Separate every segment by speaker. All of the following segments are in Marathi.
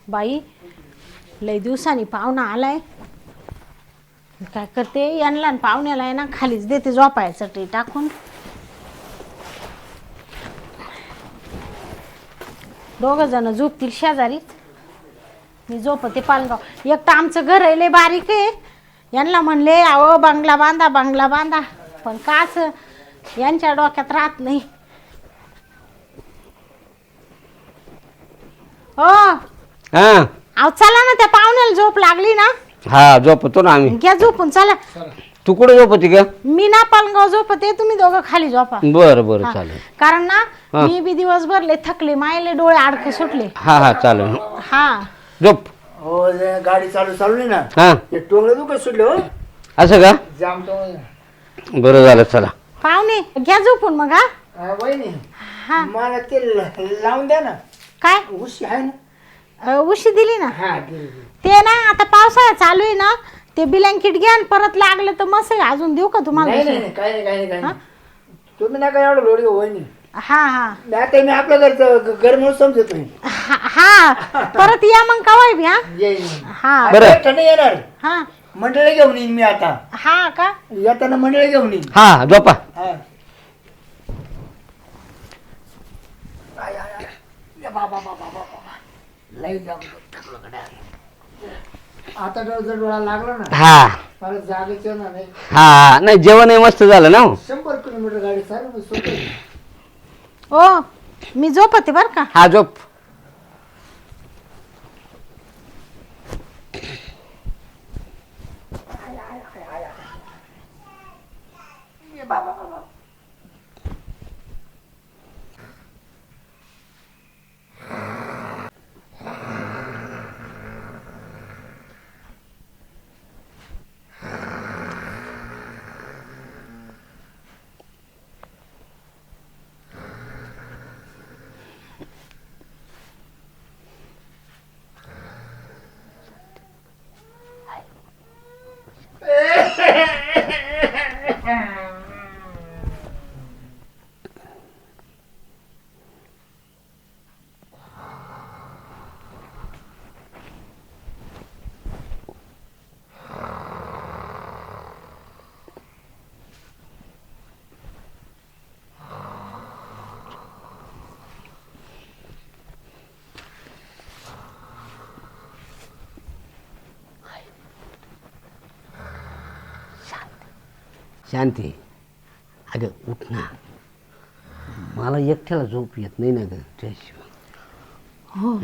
Speaker 1: बाई लय दिवसांनी पाहुणा आलाय. काय करते यांना पाहुण्याला आहे ना खालीच देते झोपायचं ते टाकून. दोघं जण झोपतील शेजारी, मी झोपते पालगाव. एक तर आमचं घर आहे लय बारीक आहे. यांना म्हणले अहो बंगला बांधा बंगला बांधा, पण काच यांच्या डोक्यात राहत नाही. हो अहो चला ना, त्या पाहुण्याला झोप लागली ना.
Speaker 2: हा झोपतो ना आम्ही.
Speaker 1: घ्या झोपून चला.
Speaker 2: तू कुठे झोपती का?
Speaker 1: मी ना पालगाव झोपते, तुम्ही दोघं खाली झोपा.
Speaker 2: बरं बरं चालेल.
Speaker 1: कारण ना मी बी दिवसभर लय थकले, मायले डोळे अडके सुटले.
Speaker 2: हा हा चालेल.
Speaker 1: हा
Speaker 2: झोप.
Speaker 3: हो गाडी चालू नाही ना.
Speaker 2: हा
Speaker 3: ते टोंगलं दुखत सुटले हो.
Speaker 2: असं का?
Speaker 3: जाम तो
Speaker 2: बरं झालं चला.
Speaker 1: पाहुणे घ्या झोपून मग. हा
Speaker 3: वहिनी
Speaker 1: हा
Speaker 3: मला ते लावून द्या ना.
Speaker 1: काय
Speaker 3: उशी आहे ना.
Speaker 1: उशी दिली ना.
Speaker 3: हा
Speaker 1: ते ना आता पावसाळा चालू आहे ना, ते ब्लँकेट घ्या आणि परत लागलं तर मस्त आहे. अजून देऊ का तुम्हाला?
Speaker 3: नाही नाही काही नाही तुम्ही नका एवढं लोडी वहिनी.
Speaker 1: हा हा
Speaker 3: आता मी आपल्या घरचं घर म्हणून समजतोय.
Speaker 1: हा परत या मग कवाय बी. हा
Speaker 2: बरं.
Speaker 3: नाही येणार.
Speaker 1: हा
Speaker 3: मंडळी घेऊन येईन मी आता.
Speaker 1: हा का
Speaker 3: येताना मंडळी घेऊन येईन.
Speaker 2: हा झोपा.
Speaker 3: आता जर डोळा लागला ना
Speaker 2: हा
Speaker 3: मला जागेच येणार नाही.
Speaker 2: हा नाही जेवण मस्त झालं ना.
Speaker 3: 100 किलोमीटर गाडी चालू सोपं.
Speaker 1: ओ मी झोपते बर का.
Speaker 2: हा झोप. शांती अगं उठ ना, मला एकट्याला झोप येत नाही ना ग त्याशिवाय.
Speaker 1: हो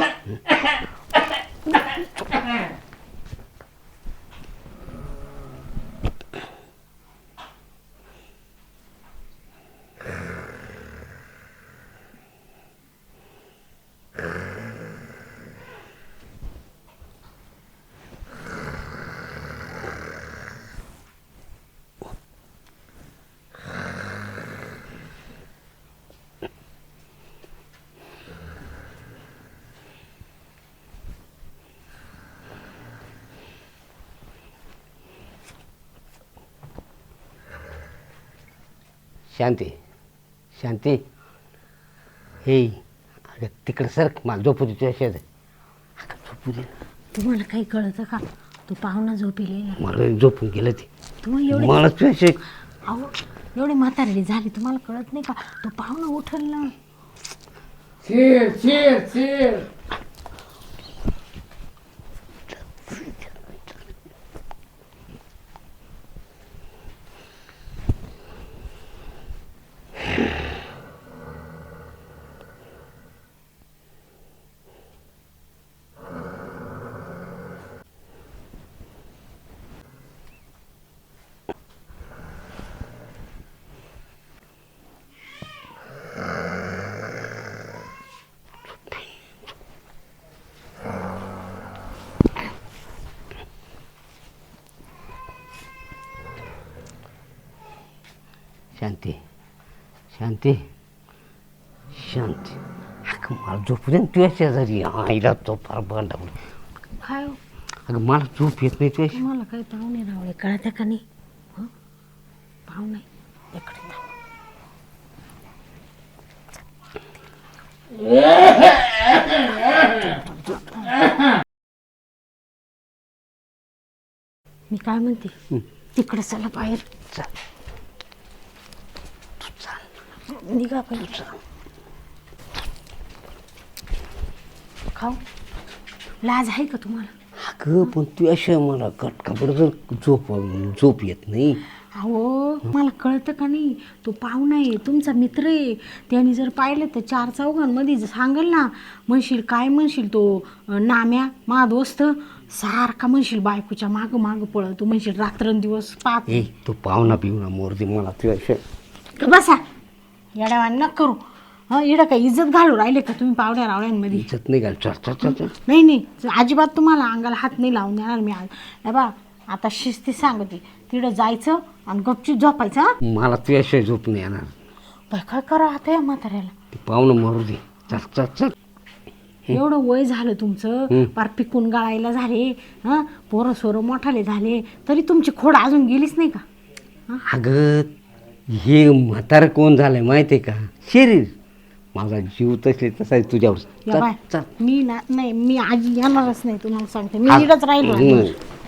Speaker 2: शांती शांती हे अगं तिकडे सर मला झोपू दे तुझ्या शेजारी. अगं झोपू दे.
Speaker 1: तुम्हाला काही कळतं का? तो पाहुणा झोपेल ना.
Speaker 2: मला झोपून गेलं ते.
Speaker 1: तुम्हाला एवढे
Speaker 2: मला तुझ्या
Speaker 1: अहो एवढे म्हातारडी झाली तुम्हाला कळत नाही का? तो पाहुणा उठल ना.
Speaker 3: चिर चिर चिर.
Speaker 2: शांती शांती शांती अगं मला झोपू दे ना तुझ्या शेजारी. आईला तो फार भांडावलं.
Speaker 1: काय हो?
Speaker 2: अगं मला झोप येत नाही तुझ्या.
Speaker 1: तुम्हाला काही पाहुणे रावळे कळत्या का नाही? हं? पाहुणे इकडे मी काय म्हणते तिकडे चला बाहेर
Speaker 2: चल तू चाल
Speaker 1: निघा पहिले खाऊ लाज आहे का तुम्हाला
Speaker 2: अगं पण तू अशा मला कटकापड जर झोप येत नाही.
Speaker 1: अहो मला कळतं का नाही तो पाहुणा आहे तुमचा मित्र आहे त्याने जर पाहिलं तर 4 चौघांमध्ये सांगेल ना म्हणशील काय म्हणशील तो नाम्या मा दोस्त सारखा म्हणशील बायकोच्या मागं मागं पळतो म्हणशील रात्रंदिवस पाहत
Speaker 2: ए तो पाहुणा पिवणा मोरदी मला तू अशा
Speaker 1: बसा येड्यावान न करू हं इकडं काय इज्जत घालू राहिले का तुम्ही पावड्या रावड्यांमध्ये
Speaker 2: इज्जत नाही घाल. चल चल चल चल.
Speaker 1: नाही नाही अजिबात तुम्हाला अंगाला हात नाही लावून देणार मी आज हे बा आता शिस्ती सांगते तिकडं जायचं आणि गपचूप झोपायचं हं?
Speaker 2: मला तू अशा झोप नाही येणार.
Speaker 1: बाय काय करा आता या म्हाताऱ्याला
Speaker 2: ते पाहुणं मोरदी चल चल चल.
Speaker 1: एवढं वय झालं तुमचं पार पिकून गाळायला झाले हं पोरं सोरं मोठाले झाले तरी तुमची खोड अजून गेलीच नाही का
Speaker 2: अगं हे म्हातारं कोण झालंय माहिती आहे का शरीर माझा जीव तसे तसा आहे तुझ्यावर.
Speaker 1: या
Speaker 2: चल
Speaker 1: बाय
Speaker 2: चल.
Speaker 1: मी ना नाही मी आजी येणारच नाही तुम्हाला सांगते मी इकडंच राहिलो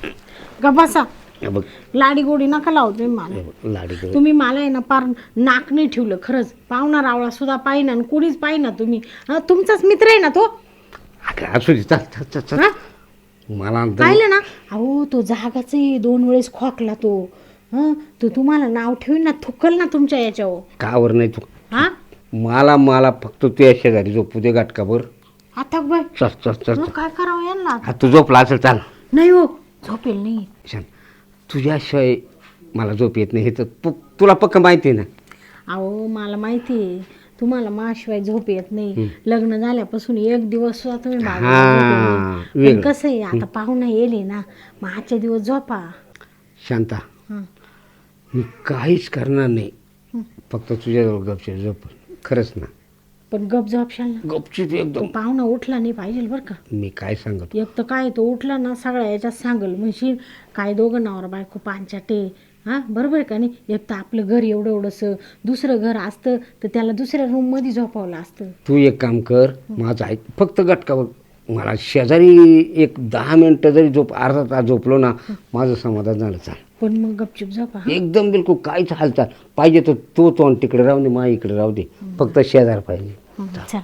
Speaker 1: गबासा
Speaker 2: हे बघ
Speaker 1: लाडी गोडी नका लावू तुम्ही मला
Speaker 2: हे बघ, लाडी गं.
Speaker 1: तुम्ही मला आहे ना पार नाक नाही ठेवलं खरंच पाहुणा रावळा सुद्धा पाहिना आणि कुणीच पाहिना तुम्ही हं, तुमचाच मित्र आहे ना तो
Speaker 2: अगं असू दे चल चल चल चल.
Speaker 1: हं?
Speaker 2: मला अंतर-
Speaker 1: पाहिलं ना अहो तो जागाच 2 वेळेस खोकला तो हं तो तुम्हाला नाव ठेवीन ना थुकल ना तुमच्या याच्यावर
Speaker 2: कावर नाही तू
Speaker 1: हा
Speaker 2: मला फक्त तू या शेजारी झोपू दे गाठकाभर.
Speaker 1: आता बाय
Speaker 2: चल चल चल.
Speaker 1: मग काय करावं यांना
Speaker 2: हा तू झोपला असेल चाल.
Speaker 1: नाही हो झोपेल नाही
Speaker 2: छान तुझ्याशिवाय मला झोप येत नाही हे तर तुला पक्क माहिती आहे ना.
Speaker 1: अहो मला माहिती आहे तुम्हाला माशिवाय झोप येत नाही लग्न झाल्यापासून 1 दिवस सुद्धा तुम्ही
Speaker 2: हा,
Speaker 1: माझ्या
Speaker 2: वेगळं.
Speaker 1: कसं आहे आता पाहुणा येले ना मग आजच्या दिवस झोपा
Speaker 2: शांता
Speaker 1: हं.
Speaker 2: मी काहीच करणार नाही फक्त तुझ्याजवळ गपचूप झोप. खरंच ना
Speaker 1: पण गप झोपशाल ना
Speaker 2: गपचूप
Speaker 1: तो
Speaker 2: एकदम.
Speaker 1: पाहुणा उठला नाही पाहिजे बरं का
Speaker 2: मी काय सांगतो
Speaker 1: एक तर काय तो उठला ना सगळ्या याच्यात सांगल म्हणशील काय दोघं नवरा बायको पांचाटे हां बरोबर आहे का नाही एक तर आपलं घर एवढं एवढंसं दुसरं घर असतं तर त्याला दुसऱ्या रूममध्ये झोपावलं असतं
Speaker 2: तू एक काम कर माझं ऐक फक्त गटकावर मला शेजारी एक 10 मिनटं जरी अर्धा तास झोपलो ना माझं समाधान झालं. चाल
Speaker 1: पण मग गपचूप झोपा हं?
Speaker 2: एकदम बिलकुल काहीच हालचाल पाहिजे तर तो तोंड तिकडे राहू दे मा इकडे राहू दे फक्त शेजार पाहिजे.
Speaker 1: चल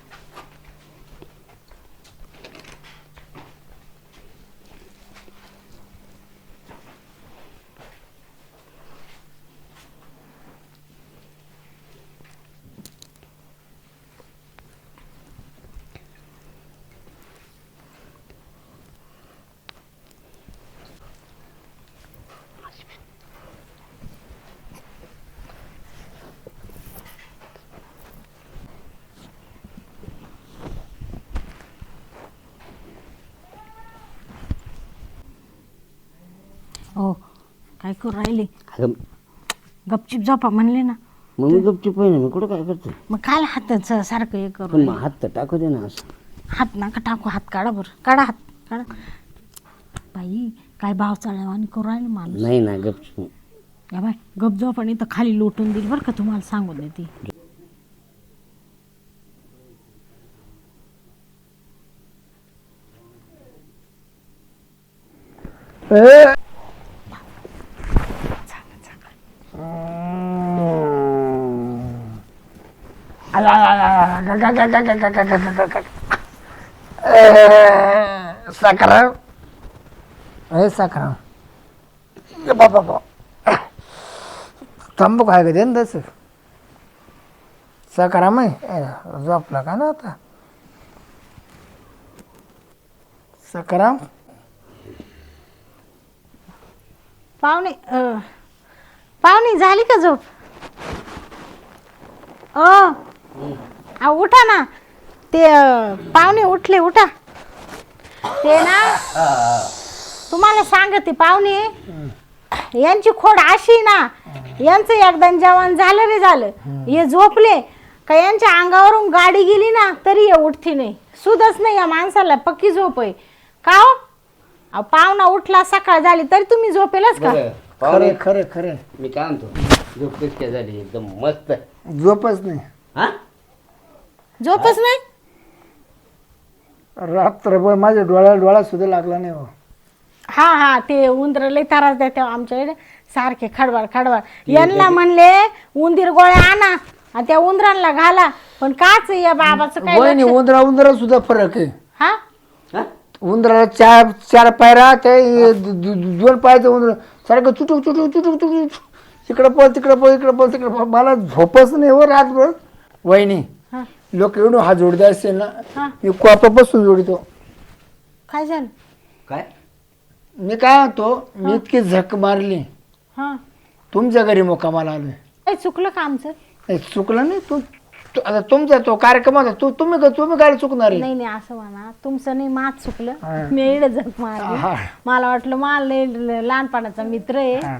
Speaker 1: हो काय करू राहिले
Speaker 2: अगं
Speaker 1: गपचूप झोपा म्हणले ना
Speaker 2: मग मी गपचूप आहे ना मी कुठं काय करतो
Speaker 1: मग काय हातच सारखं हे करू
Speaker 2: पण मग हात तर टाकू दे ना असं.
Speaker 1: हात नका टाकू हात काढा बरं काढा हात काढा बाई काय भाव चाळवानी करू राहिले मला
Speaker 2: नाही ना गपचूप.
Speaker 1: या बाय गप झोप आणि तर खाली लोटून देईल बरं का तुम्हाला सांगून देते
Speaker 3: साखराम अरे साखराम बाबा तंबाखू आहे का दे ना तसं साखराम आहे झोपला का ना आता साखराम
Speaker 1: पाहुणे झाली का झोप उठा ना ते पाहुणे उठले उठा ते ना तुम्हाला सांगते पाहुणे यांची खोड अशी ना यांचं एकदा जेवण झालं रे झालं हे झोपले का यांच्या अंगावरून गाडी गेली ना तरी हे उठती नाही सुधच नाही या माणसाला पक्की झोप आहे का हो अहो, पाहुणा उठला सकाळ झाली तरी तुम्ही झोपेलच का
Speaker 3: खरे खरे खरे
Speaker 2: मी काय म्हणतो झोप कशी काय झाली एकदम मस्त.
Speaker 3: झोपच नाही
Speaker 2: हा
Speaker 1: झोपच नाही
Speaker 3: रात्रभर माझ्या डोळा सुद्धा लागला नाही हो
Speaker 1: हा हा ते उंदर लय त्रास देते आमच्याकडे सारखे खडवाड खडवाड यांना म्हणले उंदीर गोळ्या आणा आणि त्या उंदरांना घाला पण काच या बाबाचं काय
Speaker 3: वहिनी
Speaker 1: लक्ष-
Speaker 3: उंदरा सुद्धा फरक आहे.
Speaker 1: हा
Speaker 2: हा?
Speaker 3: उंदराला चार पायरा ते दोन पायाचं उंदर सारखं चुटूक चुटूक चुटूक चुटूक तिकडं पळ तिकडं पळ इकडं पळ तिकडं पळ. मला झोपच नाही हो रातभर. वहिनी
Speaker 1: हा
Speaker 3: लोक एवढं हात जोडते असेल ना
Speaker 1: हा
Speaker 3: मी कॉपापासून जोडितो.
Speaker 1: काय झालं
Speaker 2: काय
Speaker 3: मी काय म्हणतो मी इतकी झक मारली
Speaker 1: हा
Speaker 3: तुमच्या घरी मुक्कामाला आलोय.
Speaker 1: काय चुकलं का आमचं
Speaker 3: नाही, चुकलं नाही आता तुमचा तो कार्यक्रम होता तुम्ही काय चुकणार आहे?
Speaker 1: नाही नाही असं म्हणा तुमचं नाही माझ चुकलं मी एवढं झक मारली
Speaker 3: हा.
Speaker 1: मला वाटलं मला लय लहानपणाचा मित्र आहे
Speaker 3: हा.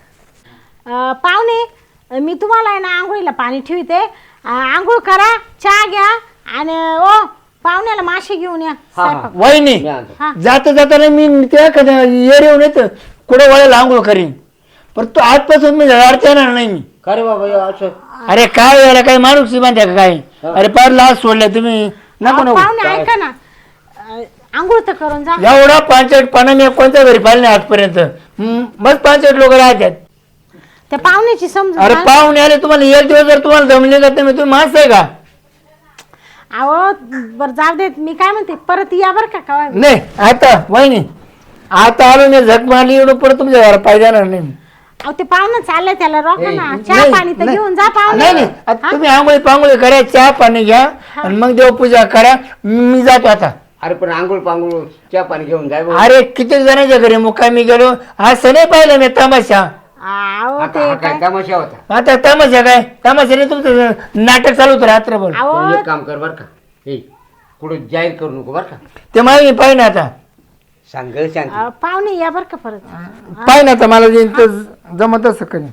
Speaker 1: पाहुणे मी तुम्हाला आहे ना आंघोळीला पाणी ठेवते आंघोळ करा चहा घ्या आणि ओ पाहुण्याला मासे घेऊन या स्वयंपाक.
Speaker 3: वहिनी
Speaker 2: मी आणतो.
Speaker 1: हा
Speaker 3: जाता जाताना मी त्या येर येऊन येत कुठे वळेला आंघोळ करीन पण तो आजपासून मी अडचण येणार नाही मी.
Speaker 2: का रे बाबा हे असं
Speaker 3: अरे काय याला काय माणूस मानत्या का काय अरे पार लाच सोडल्या तुम्ही नको नको
Speaker 1: पाहुणे ऐका ना आंघोळ तर करून जा
Speaker 3: एवढा 5-8 मी कोणत्या घरी पाहिलं नाही आजपर्यंत मग 5-8 लोक राहतात.
Speaker 1: त्या पाहुण्याची समजून
Speaker 3: अरे
Speaker 1: घाल.
Speaker 3: पाहुणे आले तुम्हाला एक दिवस जर तुम्हाला जमले का तुम्ही माणसं आहे का?
Speaker 1: अहो बर जाऊ देत मी काय म्हणते परत या बर का काय
Speaker 3: नाही आता वहिनी आता आलो नाही झक मारली एवढं परत तुमच्या घरात पाहिजे जाणार नाही.
Speaker 1: अहो ते पाहुणं चाललंय त्याला रोखा ना चहा
Speaker 3: नाही,
Speaker 1: पाणी तर
Speaker 3: नाही.
Speaker 1: घेऊन जा पाहुणे
Speaker 3: नाही नाही आता तुम्ही आंघोळी पांघोळी करा चहा पाणी घ्या आणि मग देवपूजा करा मी जातो आता.
Speaker 2: अरे पण आंघोळ पांघोळ चहा पाणी घेऊन जाय भाऊ.
Speaker 3: अरे किती जणांच्या घरी मुक्कामी गेलो असं नाही पाहिलं मी तमाशा.
Speaker 1: अहो
Speaker 2: हा
Speaker 1: ते
Speaker 2: काय
Speaker 1: काय
Speaker 2: तमाशा होता.
Speaker 3: आता तमाशा काय तमाशाने तुमचं नाटक चालू होतं रात्रभर.
Speaker 2: पण
Speaker 1: अहो
Speaker 2: एक काम कर बर का हे कुठं जाहीर करू नको बर का
Speaker 3: ते माहिती पाहिजे ना आता
Speaker 2: सांग शांती.
Speaker 1: पाहुणे या बर का परत
Speaker 3: पाहिजे ना आता मला जे जमत असं कधी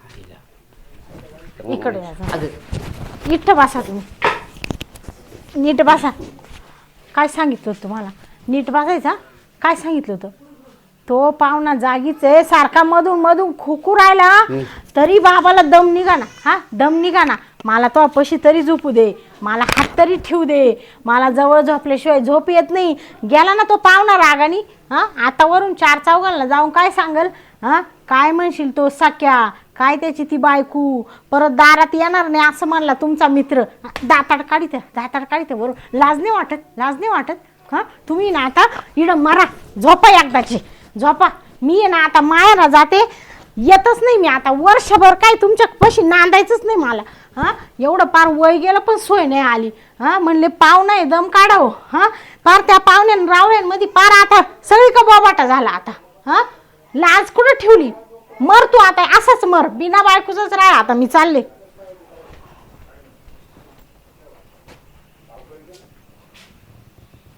Speaker 1: इकडे या जरा. नीट बसा तुम्ही नीट बसा काय सांगितलं होतं तुम्हाला नीट बसायचा काय सांगितलं होतं तो पाहुणा जागीच आहे सारखा मधून मधून खुकू राहिला तरी बाबाला दम निघाना हा दम निघाना मला तो अपशी तरी झोपू दे मला हात तरी ठेवू दे मला जवळ झोपल्याशिवाय झोप येत नाही गेला ना तो पाहुणा रागानी हा आता वरून 4 चौघांना जाऊन काय सांगल हा काय म्हणशील तो सख्या काय त्याची ती बायकू परत दारात येणार नाही असं म्हणला तुमचा मित्र दाताड काढीते बरोबर लाज नाही वाटत हा तुम्ही ना आता इकडं मरा झोपा एकदाची झोपा मी आहे ना आता मायाला जाते येतच नाही मी आता वर्षभर काय तुमच्या पशी नांदायचंच नाही मला हा एवढं पार वय गेलं पण सोय नाही आली हा म्हणले पाहुणा आहे दम काढावं हा पार त्या पाहुण्यान रावळ्यांमध्ये पार आता सगळी का बोबाटा झाला आता हा लाज कुठं ठेवली मर तू आता असंच मर बिना बायकोच राहा आता मी चालले